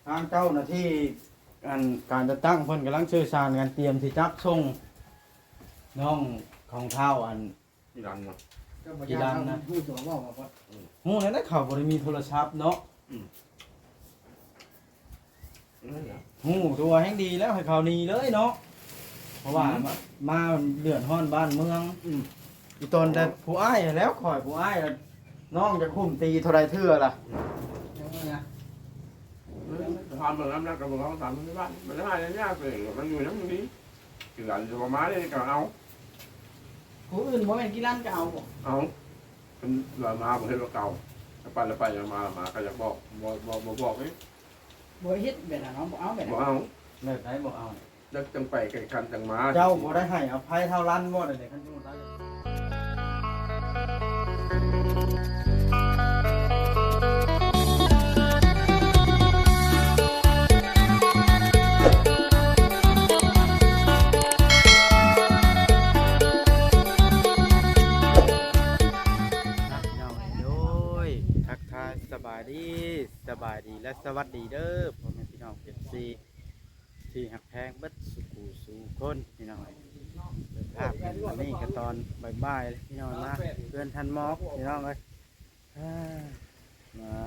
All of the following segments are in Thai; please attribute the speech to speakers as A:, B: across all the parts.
A: ทางเจ้าหน้าที่การจะตั้งเพิ่นกำลังสื่อสารกันเตรียมที่จับส่งน้องของเท้า
B: ที่รันเนาะ
A: กีฬานะ
C: พูดตัวว่าว่า
A: ฮู้แล้วเขาบ่ได้มีโทรศัพท์เนาะ
B: นั่นแหละ
A: ฮู้ตัวแห่งดีแล้วให้เขาหนีเลยเนาะเพราะว่ามาเดือดร้อนบ้านเมืองอีตนแต่ผู้อ้ายแล้วข่อยผู้อ้ายน้องจะคุ้มตีเท่าไรเทื่อล่ะ
B: ทำแบบนั้นนะกับเราทำที่บ้านมันได้ยากเลยมันอยู่ทั้งนี้ที่รันจะมาได้ก็เอา
C: ผู้อื่นบ่แม่นกีฬาก็เอาบ่
B: เอาเป็นเรามาประเทศเราเก่าไปแล้วไปมาก็อยากบอกบอกนี่
C: บ่เฮ็ดแบบนั้นเนาะบ่เอาแบบ
B: บอก
C: นั้น
B: เอา
A: เลิกได้บ่เอา
B: จังไปไก่คันจังมา
A: เจ้าบ่ได้ให้อภัยเท่ารันบ่ได้เลยคันอยู่รันทักทายสบายดีและสวัสดีเด้อพ่อแม่พี่น้องFCที่หักแพงเบิดสุขสู่คนพี่น้องภาพอันนี้ก็ตอนบ่ายๆพี่น้องนะเพื่อนทันมอกพี่น้องเลยมา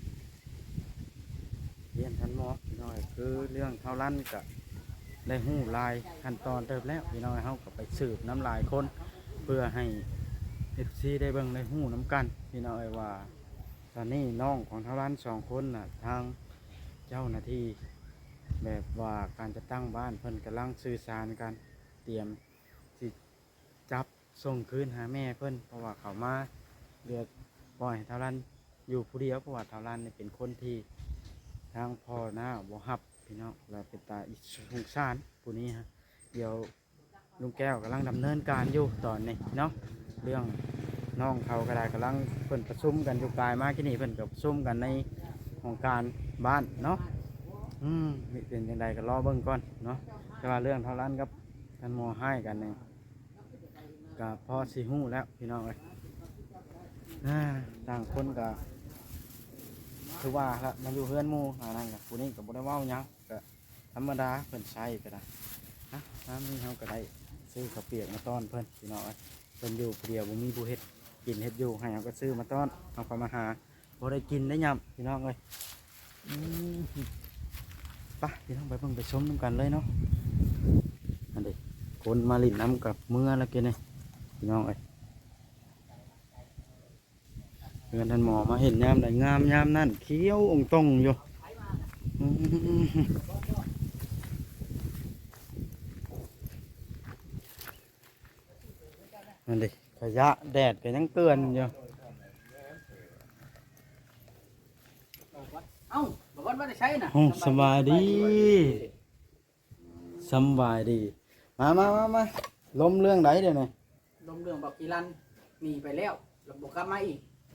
A: เรียนทันมอกพี่น้องคือเรื่องเท่าลั่นกับได้หู้ลายขั้นตอนเติบแล้วพี่น้องเขาก็ไปสืบน้ำลายคนเพื่อให้ FC ได้เบิ่งได้หู้น้ำกันพี่น้องว่าตอนนี้น้องของเท่าลั่น2 คนน่ะทางเจ้าหน้าที่แบบว่าการจะตั้งบ้านเพิ่นกำลังสื่อสารกันเตรียมสิจับส่งคืนหาแม่เพิ่นเพราะว่าเขามาเดือดปล่อยเท่านั้นอยู่ผู้เดียวเพราะว่าเท่านั้นเป็นคนที่ทางพ่อหน้าบ่ฮับพี่น้องเราเป็นตาอิสงสารผู้นี้ฮะเดี๋ยวลุงแก้วกำลังดำเนินการอยู่ตอนนี้เนาะเรื่องน้องเขาก็ได้กำลังเพิ่นประชุมกันอยู่กายมากที่นี่เพิ่นกับประชุมกันในของการบ้านเนาะเป็นยังไงก็รอเบิ่งก่อนเนาะแต่ว่าเรื่องเท่านั้นกับท่านหมอให้กันเนี่ยกับพ่อสีหู้แล้วพี่น้องเอ้ยต่างคนกับคือว่าละมาอยู่เพื่อนหมู่นั่นกับผู้นี้กับบุได้เว้าหยังก็ธรรมดาเพิ่นใช้ก็ได้น้ำนี่เขาก็ได้ซื้อข้าวเปียกมาต้อนเพิ่นพี่น้องเอ้ยเพิ่นอยู่ผู้เดียวบ่มีผู้เฮ็ดกินเฮ็ดอยู่ให้เขาก็ซื้อมาต้อนเอาเข้ามาหาบ่ได้กินได้ยำพี่น้องเอ้ยไปพี่น้องไปเบิ่งไปชมน้ำกันเลยเนาะอันนี้คนมาลิ้นน้ำกับเมื่อแล้วกันนี่พี่น้องเอ้ยเพื่อนท่านหมอมาเห็นยามไหนงามยามนั่นเขียวองตรงอยู่อันนี้ขยะแดดก็ยังเตือนอยู่
C: เอ้าบ่ว่าได้ใช้น่ะ
A: โอ้สบายดีสบายดีมาล้มเรื่องไหนเดี๋ยวนี้
C: ลมเรื่องบอกกีฬาหนีไปแล้วแล้วบ่กลับมาอีก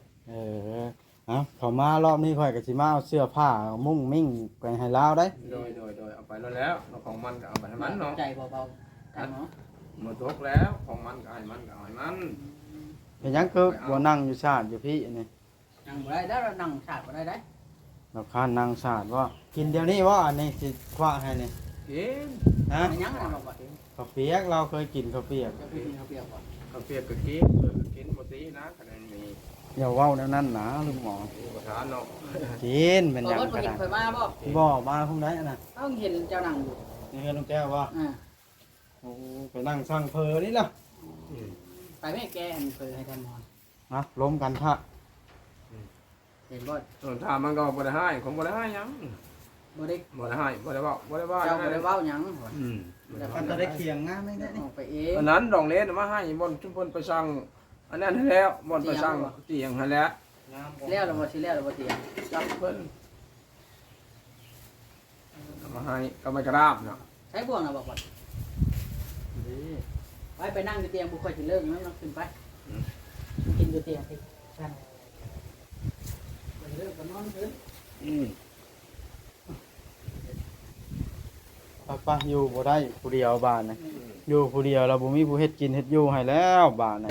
A: เขามารอบนี้ค่อยกับสิมาเอาเสื้อผ้ามุ่งมิ่งไปให้ลาวได้
B: โดยเอาไปแล้วของมันก็เอาไปให้มันเนาะ
C: ใจเบาๆกันเนาะ
B: หมดทุกแล้วของมันก็ให้มันก็ให้มัน
A: เป็นหยังคือบ่นั่งอยู่ชาติอยู่พี่นี่
C: นั่งบ่ได้แล้วเรานั่งชาติบ่ได้ได้
A: เราคานนั่งชาติว่ากินเดี๋ยวนี้ว่าอันนี้สิคว้าให้นี่
B: กิน
A: ฮะ
C: ไม่ยังน่ะบอกว่า
A: ข้าวเปียกเราเคยกินข้าวเปียก
C: จะเป็นเขาเปรียบบ่
B: ข้าวเปียกก็กินหมดทีนะคะแนนมี
A: อย่าเว้าแนวนั้นนะลุงหมอ
B: ประธานเนาะ
A: กินเป็นหยัง
C: บ่
A: ก็
C: เห็
A: ได้
C: นเคยมาบ่
A: บ่มาพุ่งได้น่ะ
C: เอ้าเห็นเจ้านั่งอยู่
A: นี่คือลุงแก้วว่า
C: อ่า
A: โอ้ไปนั่งสั่งเพอนี่ล่ะ
C: ไปแม่แกอันเคยให้ท่านหมอ
A: ล้มกันท่า
C: เห็นบ่
B: ส่วนทามันก็บ่ได้ให้ของบ่ได้ให้ยัง
C: บ่ได้
B: บ่ได้ให้บ่ได้ว่า
C: เจ้าบ่ได้เว้าหยัง
A: มันจะได้เคียงงามไหมเนี่ย
C: ออกไปเอง
B: อันนั้นดองเลนมาให้บนชุมพลไปสั่งอันนั้นให้แล้วบนไปสั่งเตียงให้แล้ว
C: แล้วเราบ่สิแล้วเราบ่เตียง
B: จับเพิ่นมาให้ก็ไม่กระราบเนาะ
C: ใช้บ่วงน่ะบอกว่าไปนั่งอยู่เตียงบ่ค่อยสิเลิกนำขึ้นไปกินอยู่เตียงสิกันไปเลิกก็นอนขึ้น
A: ป้าอยู่บ่ได้ผู้เดียวบ้านนะอยู่ผู้เดียวเราบ่มีผู้เฮ็ดกินเฮ็ดอยู่ให้แล้วบ้านนะ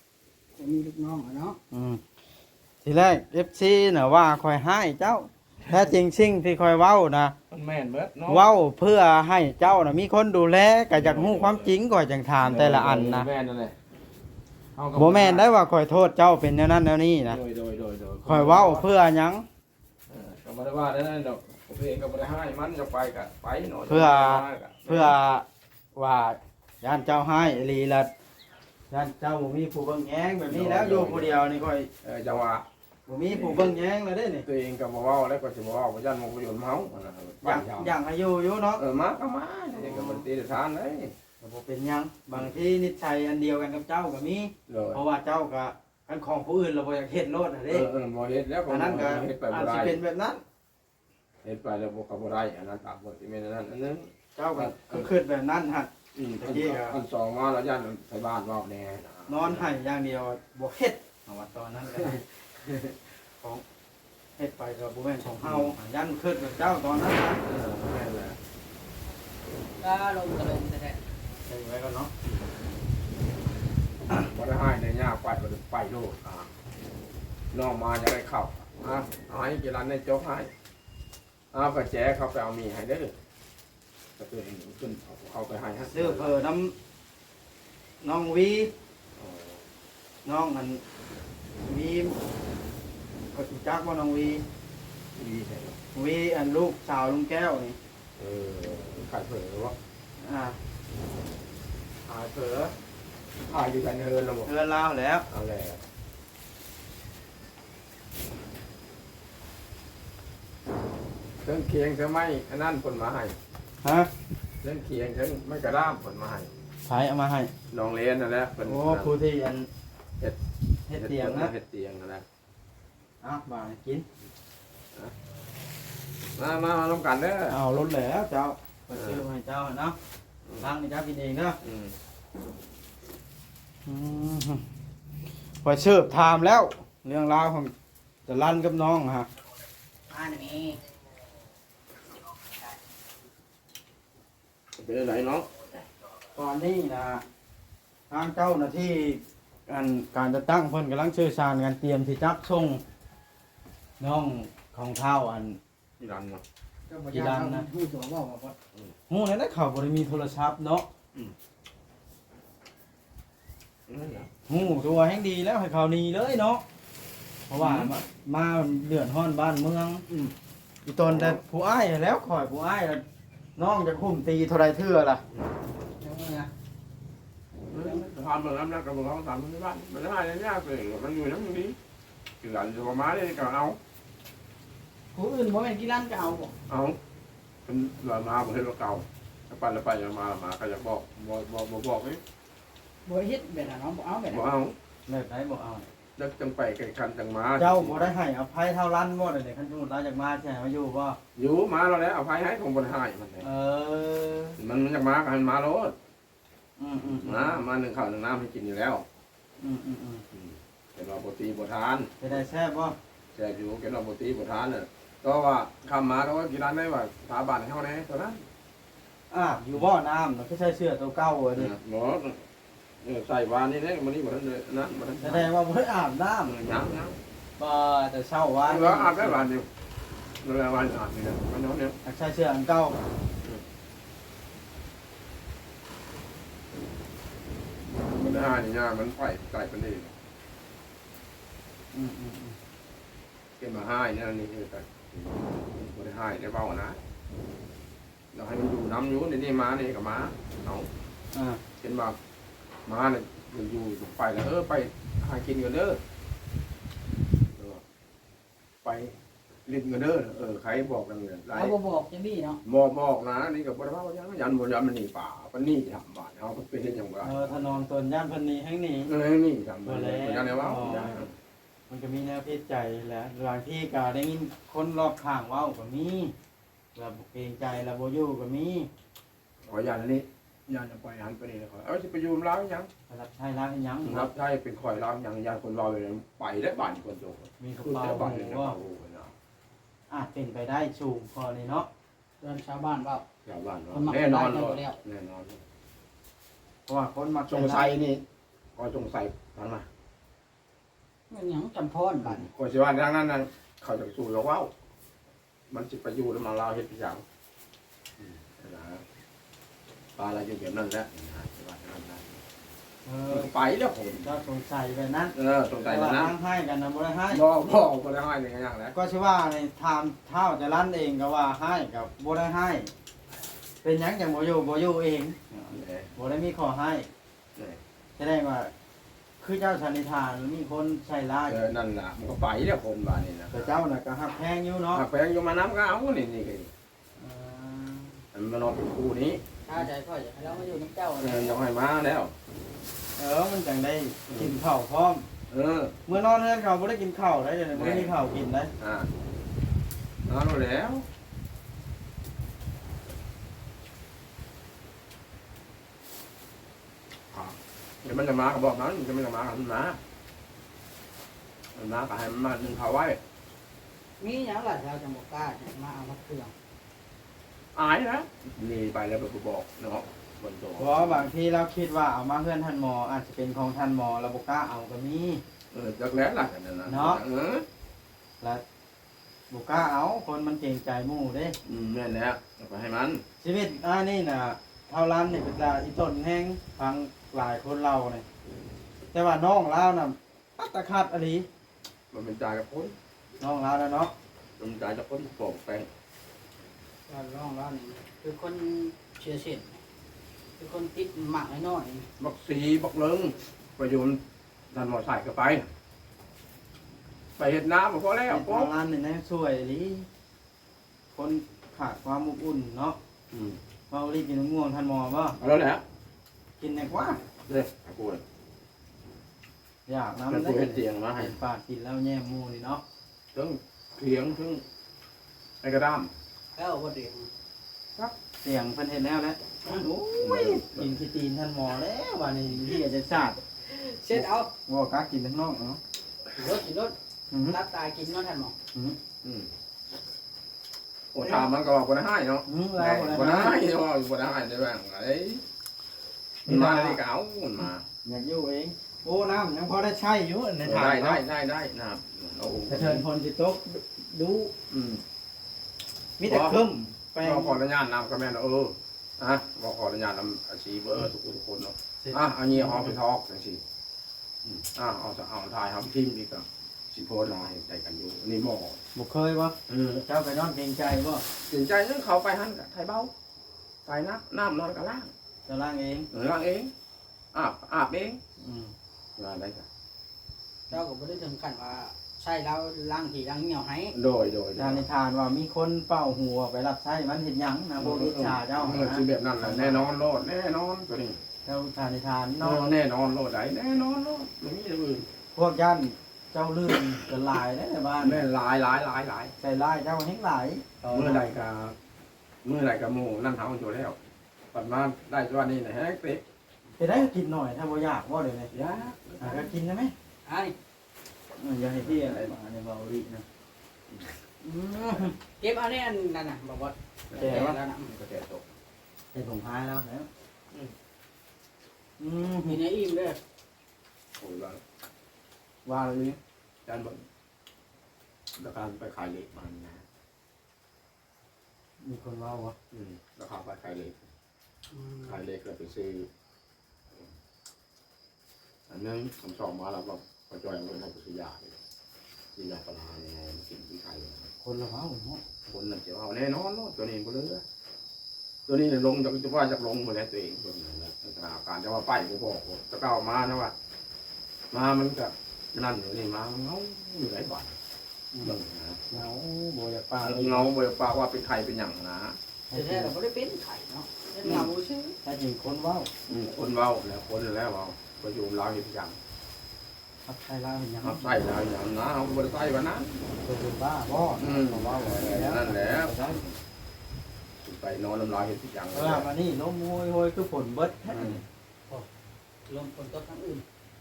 C: จะมีลูกน้องเนาะ
A: ทีแรก FC น่ะว่าคอยให้เจ้าท้จริงสิ่งที่คอยเว้านะ
B: มันแม่นเบิดเนาะ
A: เว้าเพื่อให้เจ้านะมีคนดูแลก็อยากรู้ความจริงก่อนจังถามแต่ละอันนะ
B: แม่นนั่นแหละ
A: บ่แม่นได้ว่าคอยโทษเจ้าเป็นแนวนั้นแนวนี้นะ
B: โดย
A: คอยเว้าเพื่อหยัง
B: ก็บ่ได้ว่าได้นั่นดอกผมเองก็บ่ได้ให้มันจะไปก็ไปหน่อย
A: เพื่อว่าย่านเจ้าให้อีหลีละย่านเจ้าบ่มีผู้เบิ่งแยงแบบนี้แล้วอยู่ผู้เดียวนี่ค่อย
B: จังว่า
A: บ่มีผู้เบิ่งแยงแล้วเด้นี่
B: ตัวเองก็บ่เว้าแล้วก็สิบ่เว้าบ่ยันมันบ่อยู่เฮา
A: อย่างให้อยู่เนาะ
B: มาก็มาเองก็บ่ตีทานเลย
A: ก็บ่เป็นหยังบางทีนิสัยอันเดียวกันกับเจ้าก็มี
B: เลย
A: เพราะว่าเจ้าก็อันของผู้อื่นเราบ่อยากเฮ็ดโลดน่ะเด้
B: บ่เฮ็ดแล้วก็
A: อันนั้นก็
B: เฮ็ดไป
A: อา
B: บ่
A: จสิ
B: ได้
A: เป็นแบบนั้น
B: เฮ็ดไปแล้วบ่ได้อันนั้นตามบ่สิแม่นอันนั้นอันนึง
A: เจ้าก็คิดแบบนั้นฮะ
B: อันสองมาแล้วยันไทบ้านว่าแน่
A: นอนให้อย่างเดียวบ่เฮ็ดเอาว่าตอนนั้นก็ได้ของเฮ็ดไปก็บ่แม่นของเฮายันคิดแบบเจ้าตอนนั้นนะ
B: แม่นแหละ
C: ก็ลงก็ลงแต่
A: ใส่ไว้ก่อนเนาะ
B: บ่ได้ให้ในยากไปบ่ได้ไปโลดน้องมาจะได้เข้าเอาให้กีฬาในจกให้ก็แจเขาไปเอามีให้เด้อก็ตัวเองขึ้นเอาไปให้ฮะ
A: ซื้อเพิ่นน้ำน้องวีน้องอันวีก็สิจักว่าน้องวี
B: ดีใช่
A: วีอันลูกสาวลุงแก้วนี่
B: ขายเผลอวะ
A: อ่า
B: ขายเผลอขายอยู่กันเฮินแล้วบ่
A: เทือนลาวแล้ว
B: เอาแล้วเครื่องเคียงเธอไม่อันนั้นผลมาให้
A: ฮะ
B: เครื่องเคียงเธอไม่กระด้ามผลมาให้
A: ไผเอามาให้
B: น้องเลี้ยนนั่นแหละเป็น
A: โอ้ครูที่อัน
B: เฮ็ด
A: เฮ็ดเตียงนะ
B: เฮ็ดเตียงนั่นแหละ
A: เอ้าบ่ากิน
B: มาลงกันเด้อ
A: เอารถแล้วเจ้าไปซื้อให้เจ้าเนาะทางให้เจ้ากินเองเนาะ ไปเชิบถามแล้ว เรื่องราวของจะลั่นกับน้องฮะ
C: มาหนี่
B: เป็นอะไรเนาะ
A: ตอนนี้นะทางเจ้าหน้าที่การจะตั้งเพิ่นกำลังเชื่อชาญกันเตรียมที่จับส่งน้องของเท้าอัน
B: ที่รันเนาะ
C: ก็บ่ยากนะฮู้ตัวว่าบ่
A: หูในนั้นเขาบริมีโทรศัพท์เนาะ
B: นั่นเหรอ
A: หูตัวแห่งดีแล้วให้เขานีเลยเนาะเพราะว่ามาเดือดร้อนบ้านเมืองอีตนแต่ผู้อ้ายแล้วข่อยผู้อ้ายแล้วน้องจะคุ้มตีเท่าไรเทื่อล่ะ
C: เดี๋ยวนะ
B: ทำแบบนั้นนะกับของสามที่บ้านมันได้ยากเลยมันอยู่น้ำนี้คือหลังจะมาได้ก็เอา
C: ผู้อื่นบ่แม่นกีฬานก็เอาบ่
B: เอาเป็นหลังมาประเทศเราเก่าไปแล้วไปมาก็จะบอกนี่
C: บ่เฮ็ดแบบนั้นเนาะบ่เอาแบบ
B: บอ
C: นั้น
B: กเอา
A: แบบไหนบอกเอา
B: จะจังไปไก่คันจังมา
A: เจ้าบ่ได้ให้อภัยเท่ารันบ่เลยเนี่ยคันสมมุติเราจากมาใช่ไหมมาอยู่บ่
B: อยู่มาเราแล้วเอาไฟให้ของบนหายมัน
A: เออ
B: มันอยากมากันมาโลด
A: อืม
B: มาหนึ่งข้าวหนึ่งน้ำให้กินอยู่แล้ว เป็นเราปกติบทาน
A: จะได้แซ่บบ่
B: แจกอยู่เป็นเราปกติบทานเนี่ยก็ว่าคำมาก็ว่ากีฬาได้ว่าสถาบันเขาแน่ตัวนั้น
A: อยู่บ่น้ำเราก็ใช้เสื้อตัวเก่าอันนี้
B: หมอใส่วานนี่เนี่ยมันนี่หมดเลยนะหมด
A: แสดงว่าบ่ได้อาบน้
B: ยัง
A: ำบ่แต่เช้าว่า
B: ว่าอาบได้วานเดียวเวลาวานอาบนี่นะมันน้องเนี่ย
A: ใช้เสื้ออันเก่า
B: มันได้นี่นะมันไฟไก่เป็นนี่
A: อืม
B: เก็บมาให้เนี่ยนี่คือแต่ไม่ได้ให้ได้เบานะเราให้มันอยู่น้ำอยู่ในนี่มานี่กับมาเอา เห็นว่ามาเนี่ยอยู่ไปแล้วไปหากินกันเด้อไปลิ้นกันเด้อใครบอกกันเนี่ยไร
C: เอาบ่บอกจังซี่เนาะ
B: บอกนะนี่กับบ่ได้ว่ายันบ่ยันมันหนีป่ามันนี่ทำบ้านเขาเป็นเฮ็ดจังว่า
A: ถนนตนย่านเพิ่นนี้แห่งนี้
B: นี่ทำบ่ยันได้ว่า
A: มันก็มีแนวพิจัยแหละบางที่ก็ได้ยินคนรอบข้างเว้าก็มีแบบเกรงใจแล้วบ่อยู่ก็มี
B: ขอยันนี่ยันจะไปหันไปนี่ขอสิไปอยู่ล้างยัง
A: รับใช้รับอีหยัง
B: รับใช้เป็นข่อยล้างยังยันคนรอเลยไปได้บ้านคนโต
A: มีกระ
B: คือ
A: เป๋า
B: ได้บ้าน
A: ห
B: เลย
A: มู่
B: นะ
A: ว่า
B: โอ้โหนะ
A: อาจเป็นไปได้สูงพอเลยเนาะ
C: เดินชาวบ้านเว้า
B: ชาวบ้าน
C: มันมัก
B: แน่นอน
C: ได้กันอยู่แล้ว
B: แน่นอน
A: เพราะว่าคนมัก
B: จงใส่นี่ก็จงใส่ฟังมา
C: มันหยังจำพรบัด
B: คนสิว่าทางนั้นน่ะเขาจะสู้เราเว้ามันจะไปอยู่แล้วมาเล่าเฮ็ดพี่ยังนะปลาอะไรอยู่แบบนั้นแหละไปแล้วผม
A: เจ้าสงสัยแบบนั้น
B: สงสัยแล้วนะ
A: ทางให้กันนะบ่ได้ให้
B: บ่ได้ให้ในอย่างแล้ว
A: ก็ชื่อว่าในทามเท่าจะลั่นเองก็ว่าให้กับบ่ได้ให้ เป็นหยังจังบ่อยู่เองบ่ได้มีขอให้แสดงว่าคือเจ้าสันนิษฐานมีคนใส่ร้าย
B: นั่นล่ะมันก็ไปแล้วคนบ้านนี่นะ
A: แต่เจ้าน่ะก็หักแพงอยู่เนาะ
B: แพงอยู่มาน้ำก็เอานี่มันมานอนเป็นคู่นี้
C: ถ้าใจพ่ออยากให้เรามาอยู่น้ำเจ้า
B: ยังให้มาแล้ว
A: มันจังได้กินข้าวพร้อมเมื่อนอนเฮือนเขาบ่ได้กินข้าวได้เดี๋ยวนี้บ่ได้มีข้าวกินได้
B: นอนแล้วเดี๋ยวมันจะมาก็บอกมันจะไม่จะมาก็มันมาก็ให้มันมาดึงเขาไว้
C: มีอย่างไรเราจะบอกกล้ามาเอามาเครื่อง
B: อายนะนี่ไปแล้วไปบอกเนาะบนโต๊ะ
A: เพราะบางทีเราคิดว่าเอามาเฮือนท่านหมออาจจะเป็นของท่านหมอเราบ่กล้าเอาก็มี
B: จักแล้วล่ะกันนั่นเนาะ
A: แล้วบ่กล้าเอาคนมันเกรงใจหมู่เด้
B: แม่นแล้วไปให้มัน
A: ชีวิตนี่น่ะเท่าร้านนี่เป็นตาอีต้นแห้งฟังหลายคนเล่าเนี่ยแต่ว่าน้องเล่าน่ะอัตคัดอลี
B: มันเป็นใจกับคน
A: น้องเล่าแล้วเนาะ
B: มันเป็นใจกับคนปอกแปง
C: ก็ร้องร้อนคือคนเชื่อเส้นคือคนติดหมักน้อย
B: บักสีบักเลิงประโยชน์ดันหมอใส่ก็ไปเห็ดน้ำพอแล้ว
A: เท่าร้านนี่นะสวยอลีคนขาดความอบอุ่นเนาะเมารีกินมะม่วงท่านหมอบ่
B: แล้วแหละ
A: กินแน่กว่า
B: เนี่ยกูเลย
A: อยากน้ำ
B: เป็น
A: ได้
B: กูเห็ดเตียงมาให้
A: เห็นปากกินแล้วแย่หมูนี่เนาะ
B: ทั้งเถียงทั้งไอ้กระด้าม
C: ๆแล้วว่าเดียว
A: เสียงเพิ่นเห็นแล้วแหละโอ้ยกินขี้ตีนท่านหมอแล้ววันนี้ที่อาจจะชาติ
C: เช็ดเอา
A: ว่ากักกินทั้งนอกเนาะ
C: รถรับตากินน้องท่านหมอ
B: โอ้ถามมันก็บอกคนให้เนาะ
A: แล้ว
B: คนให้เนาะคนให้ได้บ้างไอ้มาในเก๋ามันมา
A: อยากอยู่เองโอ้น้ำยังพอได้ใช้อยู่ในถาด
B: ได้นะโอ้
A: กระเทินพลสิตกดู
B: อืม
A: มีแต่คึมแปลง
B: ขออนุญาตนำก็แม่นบอกขออนุญาตนำอาชีพทุกคนเนาะอันนี้เอาไปทอกจังซี่เอาถ่ายทำทีมดีกว่าสิโพสลายใจกันอยู่นี่หมอ
A: บ่เคยวะเจ้าไปนอนเกรงใจบ่
B: สนใจนั่นเขาไปหันกับไทยเบ้าไทยน้ำนอนกับล่าง
A: เจะล่างเอง
B: ล่างเองอาบเองงานได้จ้ะ
C: เราก็ไม่ได้ถึงกันว่าใช่แล้วล้างถี่ล้างเหนียวให้
B: โดย
A: ทานในทานว่ามีคนเป่าหัวไปรับใช้มันเห็นหยังนะโบริชาเจ้า
B: คือแบบนั้นแหละแน่นอนโลดแน่นอนตัวนี้
A: เจ้าทานในทาน
B: น
A: นอ
B: อน นแน่นอนโลดไหนแน่นอนโลดไม่มีอย่างอื่น
A: พวกย่านเจ้าลื่นจะลายได้ในบ้าน
B: แม่หลาย
A: ใส่ลายเจ้าเฮงหลาย
B: เมื่อไรกับหมูนั่นเท้าอยู่แล้วปัดมาได้ตัวนี้นะฮะเป๊ะ
A: จะได้กินหน่อยถ้าบ่อยากว่าเดี๋ยวนี้
B: ยา
A: ก็กินได้ไหม
C: ไอ้
A: อย่าให้พี่อะไรมาในเบาลีนะ
C: เก็บเอาเนี่ยนั่นน่ะบอกว่า
A: แก่วะ
C: แล้วนะ
B: ก็แก่ตก
A: ใส่ผงพายแล้วแล้ว
C: มีในอิ่มด้วย
B: โอ้ยว่า
A: ว่าเลย
B: จานบนราคาไปขายเล็กมันนะ
A: มีคนว่าวะ
B: ราคาไปขายเล็กแล้วไปซื้ออันนึงผมสอบมาแล้วก็พอจอยเอาเงินให้ไปซื้อยาปลาเนี่ยกินที่ไทย
A: คนละว่าวเนาะ
B: คนนั่นจะเอาแน่นอนเนาะตัวนี้ก็เลยตัวนี้ลงจะว่าจะลงหมดแล้วตัวเองตัวนั้นนะสถานการณ์จะว่าไปกูบอกจะก้าวมานะว่ามามันกับนั่นอยู่นี่มาเงาอยู่หลายบาทนะ
A: เงาโบยปลา
B: เงาบริปากว่าเป็นใครเป็นอย่างนะ
C: แต่แท้เราไม่ได้เป็นไข่เนาะเป็นเงาชื่อ
A: ถ้าจริงคนว่าว
B: คนเว้าแล้วคนแล้วเว้าประยุมเราเห็นอย่าง
A: ทับไทยลาวอย่าง
B: ครับใส่เราอย่างนะเขาบริใส่วันนั้น
A: ตัวเป็นบ้าบ่ของว่าว
B: นั่นแหละไปนอนน้ำลายเห็นอย่าง
A: เวลามานี่ล้มโวยคือฝนเบิดแท้
C: ลมฝนตกทั้งอื่น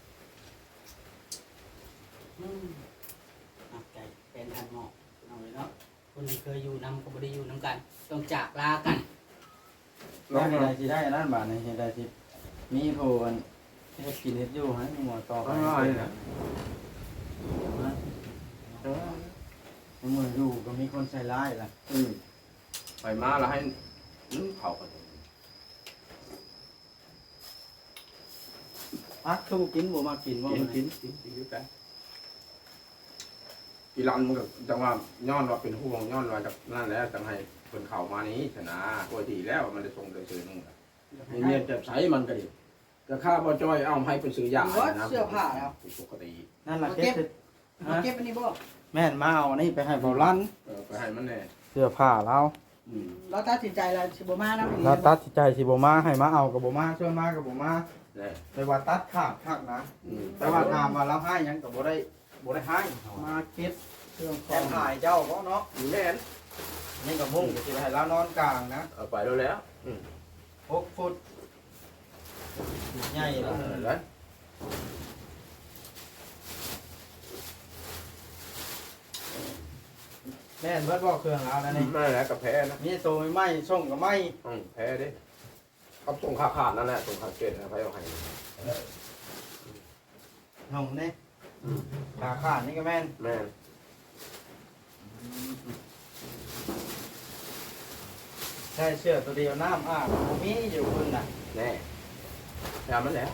C: ใจเป็นทันหมอกเอาเลยเนาะคนที่เคยอยู่นำก็ไม่ได้อยู่น้ำกันต้องจากลากัน
A: แล้วเห็นใดที่ได้นั่นบาทในเห็นใดที่มีโพนที่กินเฮ็ดอยู่ให้มีหมอต่อไป
B: ง่ายนะ
A: มืออยู่ก็มีคนใส่ร้ายล่ะ
B: ไปมาแล้วให้เขากัน
A: พักคือบ่กินบ่มากินบ่
B: กินอยู่แต่อีรันมันก็จังว่าย้อนว่าเป็นห่วงย้อนว่าจากนั่นแหละจังให้คนเข้ามานี้ชนะปกติแล้วมันได้ส่งโดยสื่อนู่นนี่เนี่ยจะใช้มันก็ดีก็ค่าบ่จ้อยเอาให้ไปซื้อยานะ
C: เสื้อผ้าแล้ว
B: ปกติ
A: นั่นล่ะเก็บ
C: เก็บอันนี้บ่
A: แม่นมาเอาอันนี้ไปให้เบาลั่น
B: ไปให้มันแน่
A: เสื้อผ้าเรา
C: เราตัดสินใจแล้วสิบ่มานะ
A: เราตัดสินใจสิบ่มาให้มาเอาก็บ่มาช่วยมาก็บ่มา
B: แน่
A: แต่ว่าตัดขาดคักนะแต่ว่าถามว่าเราให้หยังก็บ่ได้ให้มาเก็บเครื่องแก้ถ่ายเจ้าก็เนาะ
B: อยู่แม่น
A: นี่ก็มุ่งสิให้เรานอนกลางนะ
B: เอาไปแล้ว
A: 6 ฟุตใหญ่แล้ว
B: แล้ว
A: แม่นเบิดบ่เครื่องเราแล้วนี่
B: ไม่แล้วกับแพ้นะ
A: มีตัวไม้ส่งก็ไม้
B: แพ้ดิเขาส่งขาดนั่นแหละส่งขาดเกตนะไปเอาให้
A: ห้องนี่ขาขาดนี่ก็แม่น
B: แม่น
A: ใช่เสื้อตัวเดียวน้ำอาบบ่มีอยู่เพิ่นน่ะ
B: แน่ยามันแล้ว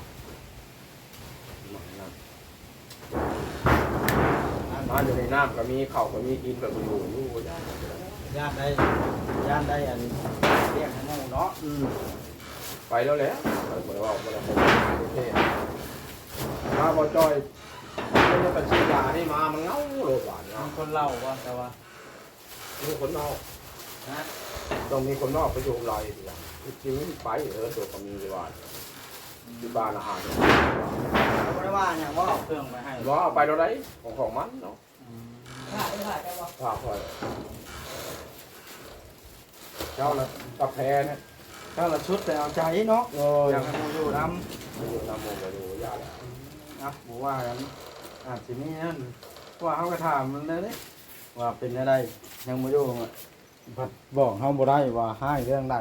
B: มาอยู่ในน้ำก็มีเข่าก็มีกินแบบอยู่ยา
A: ย่านได้อันเรียกให้หมู่เนาะ
B: ไปแล้วแหละบ่ได้ว่าบ่ได้โอเคมาบ่จอยไม่ได้ตัดสินยานี่มามันเงาโลดหวาน
A: มี
B: เนาะ
A: คนเล่าว่าแต่ว่า
B: มีคนนอก
A: นะ
B: ต้องมีคนนอกไปดูลอยทีหลังจริงไปตัวก็มีว่าที่บ้านอาหาร
A: เขาบ่ได้ว่าหยังว่าเอาเครื่องไปให้
B: ว่าเอาไปเราได้ของมันเนาะ
C: ผ้าได้บ่
B: ฝากคอยเจ้าละกาแฟเนี่ย
A: เจ้าละชุดแต่เอาใจเนาะ
B: โอ้ย
A: อยากให้หมู่อยู่นำ
B: อยู่นำมงไปดูยาแล้ว
A: นะบ่ว่ากันอาจสิมีนั่นว่าเฮาก็ถามมันเลยว่าเป็นอะไรยังบ่อยู่อะบัดบอกเฮาบ่ได้ว่าให้เรื่องใด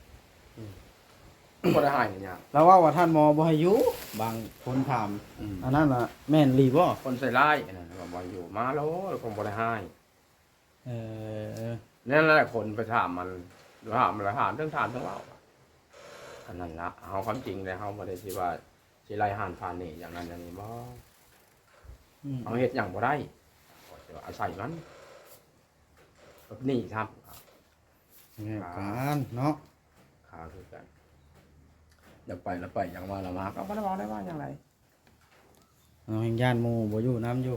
B: ก็ได้หายเนี่ย
A: แล้วว่าท่านหมอบ่ให้อยู่บางคนถามอันนั้นน่ะแม่นรีบ่
B: คนใส่ร้ายนะว่าอยู่มาแล้วคงบ่ได้หาย
A: เออ
B: นั่นแหละคนไปถามมันถามมันถามเรื่องถามเรื่องเล่าอันนั้นละเอาความจริงเลยเขาบ่ได้ที่ว่าสิไล่หานผ่านนี่อย่างนั้นอย่างนี้บ่เอาเฮ็ดอย่างบ่ได้อาศัยมันแบบนี้ครับ
A: แง่การเนาะ
B: ขาคือกันอยากไปแล้วไปอย่างว่าละมาก็บ่ได้บอกได้ว่าอย่างไร
A: เอาแห่งย่านหมู่บ่อยู่น้ำอยู่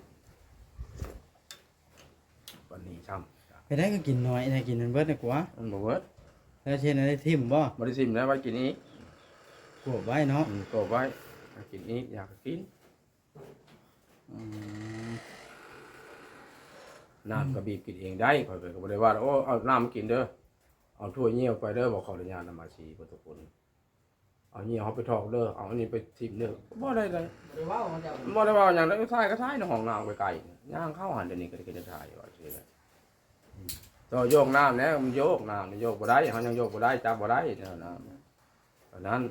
B: วันนี้ช้
A: ไปได้ก็กินน้อยได้กินมันเบิดดีกว่า
B: ำมันบ่เวิร์ด
A: แล้วเช่นได้ทิ่มบ่
B: บ่ได้ซิมแล้วไว้กินนี้
A: กวบไว้เนาะ
B: ก็ไว้กินนี้อยากกิน
A: อืม
B: น้ำก็บีบกินเองได้ข่อยก็บ่ได้ว่าโอ้เอาน้ำมากินเด้อเอาถ้วยเงี้ยวไปเด้อบอกขออนุญาตนำมาชีบ่ทุกคนเอาเงี้ยวเขาไปทอกเด้อเอาอันนี้ไปทิ่มเด้อบ่ได้เลย
C: หรือว่ามันจะ
B: บ่ได้ว่าอย่างนั้นท้ายก็ท้ายในห้องน้ำไกลๆย่างเข้าหันเดี๋ยวนี้ก็ได้ถ่ายว่าซื่อเลยต่อโยกน้ำแล้วมันโยกน้ำนี่โยกบ่ได้เขายังโยกบ่ได้จับบ่ได้เนี่ยน้ำเพราะนั้น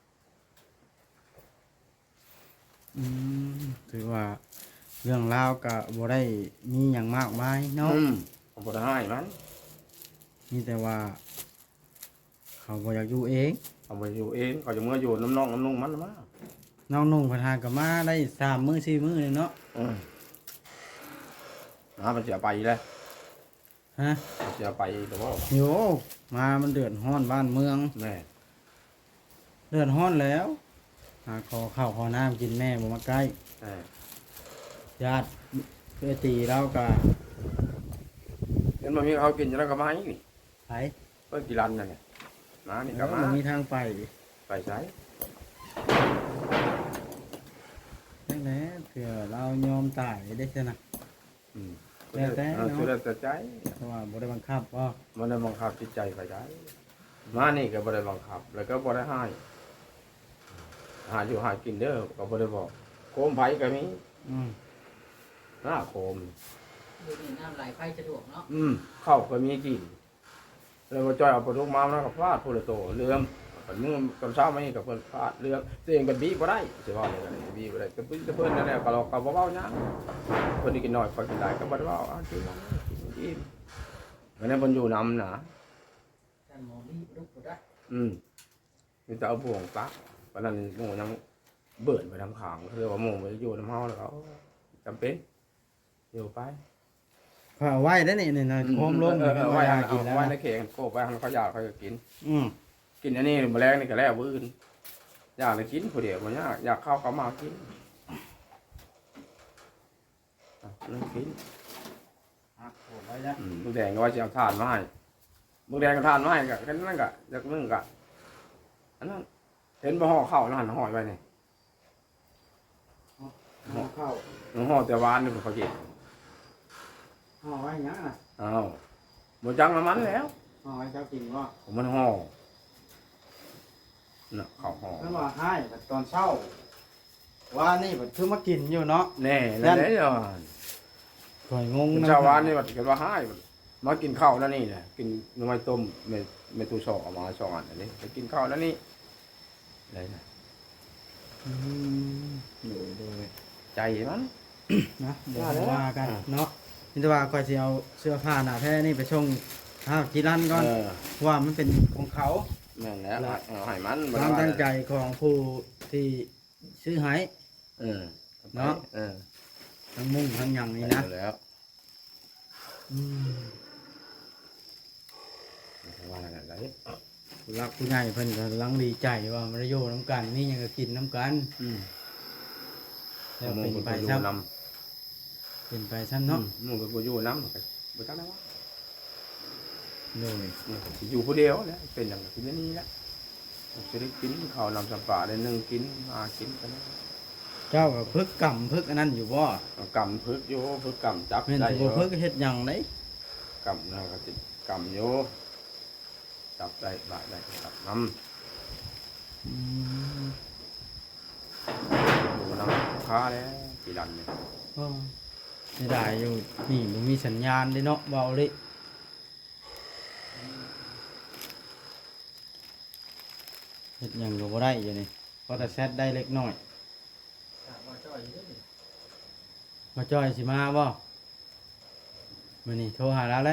A: ถือว่าเรื่องราวก็บ่ได้มีหยังมากมายเนาะ
B: ผมบ่ได้ให้มัน
A: มีแต่ว่า เขาบ่อยากอยู่เอง
B: เอาไปอยู่เองเขาจะเมื่ออยู่น้ำน้องน้ำนุ่งมันมา
A: น้องนุ่งพนาก็มาได้3 มื้อ 4 มื้อเลยเนาะ
B: มันเสียไปแล้ว
A: ฮะ
B: มันเสียไปแต่ว่า
A: โยมามันเดือดร้อนบ้านเมือง
B: แม่
A: เดือดร้อนแล้วหาขอข้าวขอน้ำกินแม่บ่มาใกล้ ญาติเพื่อตีเราก็
B: เห็นมันมีเขากินอยู่แล้วก็มาอีกนี่
A: ไป
B: เพิ่นกี่รันนั่นเนี่ยมานี่ก็
A: แล้ว
B: มา
A: มันมีทางไป
B: ไปใช้
A: นั่นแหละเผื่อเรายอมตายได้ชนะ แล้วแต่เนาะ
B: สุดแต่ใจ
A: เพราะว่าบ่ได้บังคับว่า
B: มันได้บังคับจิตใจไปได้มานี่ก็บ่ได้บังคับ แล้วก็บ่ได้ให้หาอยู่หากินเด้อก็บ่ได้บอกโคมไผก็มี หน้าโคม
C: อยู่นี่น้ำไหลไฟสะดวกเนาะ
B: ข้าวก็มีกินแล้วมาจอยเอาปลาทุกมาแล้วก็ฟาดพูละโตเลื่อมผลมือกับเช้าไม่กับเพิ่นพลาดเรื่องตัวเองเป็นบีบ่ได้สิว่าเลยกันบีบ่ได้แต่เพิ่นนั่นแหละก็เราก็บ่เว้าหยังเพิ่นนี่กินน้อยคอยกินหลายก็บ่ได้เว้ากินอิ่มวันนั้นเพิ่นอยู่นำนะ
C: ท่านหมอมีลูกบ่ได้
B: มีแต่เอาบ่วงปักวันนั้นหมู่ยังเบิ่นไปทางข้างคือว่าหมู่ไปอยู่นำเฮาแล้วเขาจำเป็นอยู่ไป
A: พาไว้ได้นี่นะโคมลง
B: ไว้
A: หา
B: กิ
A: กิ
B: น
A: นแล้ว
B: ไว้ในเข่งโกบไว้เขาอยากเขาจะกิน
A: อืม
B: กินอันนี้แมลงนี่ก็แล้วมื้ออื่นอยากเลยกินผู้เดียวบ่อยากเข้าก็มากินนั่งกิน
A: หักโคมไว้แล้ว
B: มึงแดงก็ว่าจะเอาถ่านมาให้มึงแดงก็ถ่านมาให้ก็แค่นั้นก็จากนึงก็อันนั้นเห็นบ่ห่อข้าวนั่นห่อไว้นี่
A: ห่อข้าว
B: ห่อแต่หวานนี่เขากิน
A: ห่อไว้หยังน่ะ
B: อ้าวบ่จังน้ำมันแล้ว
A: ห่อไว้เจ้ากินว่า
B: ผมมันห่อน่ะข้าวห่อ
A: เพิ่นว่าให้บัดตอนเช้าว่านี่บัดคือมากินอยู่เนาะ
B: แน่แล้วเด้อ
A: ข่อยงง
B: ชาวบ้านนี่บัดกันว่าให้มากินข้าวแล้วนี่แหละกินหน่อไม้ต้มเมตูซอกเอามา2อันอันนี้ไปกินข้าวแล้วนี่อะไรนะ
A: อืมอยู่โดย
B: ใจมัน
A: นะเดี๋ยวว่ากันเนาะนี่แต่ว่าก่อยสิเอาเสื้อผ้าหน้าแท้นี่ไปชงข้าวจีรันก่อนว่ามันเป็นของเขา
B: แม่นแล้วเอาให้มัน
A: ความตั้งใจของผู้ที่ซื้อให้ เนาะ ทั้งมุ่งทั้งหยังนี่นะ
B: แล้ว
A: อืม
B: ว่าอะไร
A: ผู้รักผู้ใหญ่เพิ่นก็กำลังดีใจว่ามันได้อยู่น้ำกันนี่ยังก็กินน้ำกันแล้วเป็นไปซ้ำเป็นไปซ้ำเนาะ
B: มึงก็อยู่น้ำบ่จังแล้ว
A: โดย
B: อยู่ผู้เดียวแหละเป็นอย่างที่นี่แหละจะได้กินข้าวนำสัมปะได้นึงกินมากินกัน
A: เจ้าก็พึกกำพึกอันนั้นอยู่บ่
B: กำพึกโยพึกกำจับ
A: แม่น
B: ได้
A: สิ
B: โย
A: บ่พึกเฮ็ดหยังได
B: กำนะก็สิกำโยจับได้บาดได้จับน้ำอยู่น้ำค้าแล้วกี่ดันเนี่ย
A: อ๋อสิได้อยู่นี่บ่มีสัญญาณเด้เนาะเว้าเลยเฮ็ดหยังก็บ่ได้อยู่นี่พอแต่แซดได้เล็กน้อย
C: ว่าจ้อยอยู่เด้อ
A: มาจอยสิมาบ่มื้อนี้โทรหาแล้วแหละ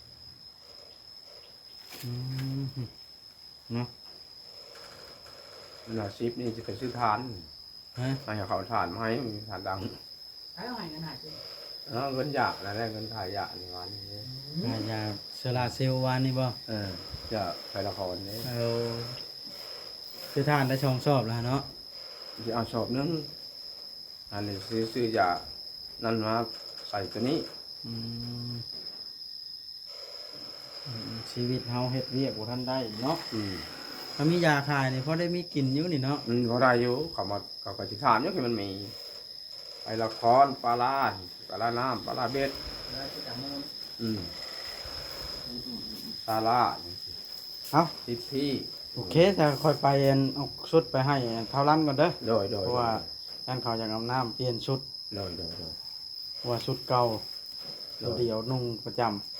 A: เนาะ
B: น่ะซิปนี่จะไปซื้อทาน
A: ฮะ
B: ให้เขาทานมาให้มีทานดัง
C: ให้เอาให้กันหาสิ
B: เงินหยาแล้วเงินขายหยานี่วันนี้
A: ขายยาโซลาร์เซลล์วานนี่บ่
B: จะไปละครนี้
A: เอาคือทานได้ช่องสอบแล้วเนาะ
B: จะเอาสอบนึงอันนี้ซื้อยานั่นมาใส่ตัวนี้
A: อืมชีวิตเฮาเฮ็ดเวียกบ่ทันได้เนาะถ้ามียาขายนี่พอได้มีกินอยู่นี่เนาะ
B: เขาได้อยู่เขาก็จะถามอยู่คือมันมีไปละครปลาลาน้ำปลาลาเบ็ด
C: แล้วสิจำมูล
B: ปลาลา
A: เอา
B: ที่
A: โอเคแต่ค่อยไปเอาชุดไปให้เท่านั้นก่อนเด้อ
B: โดย
A: เพราะว่าท่านเขาอยากเอาน้ำเปลี่ยนชุด
B: โดย
A: เพราะว่าชุดเก่าตัวเดียวนุ่งประจำ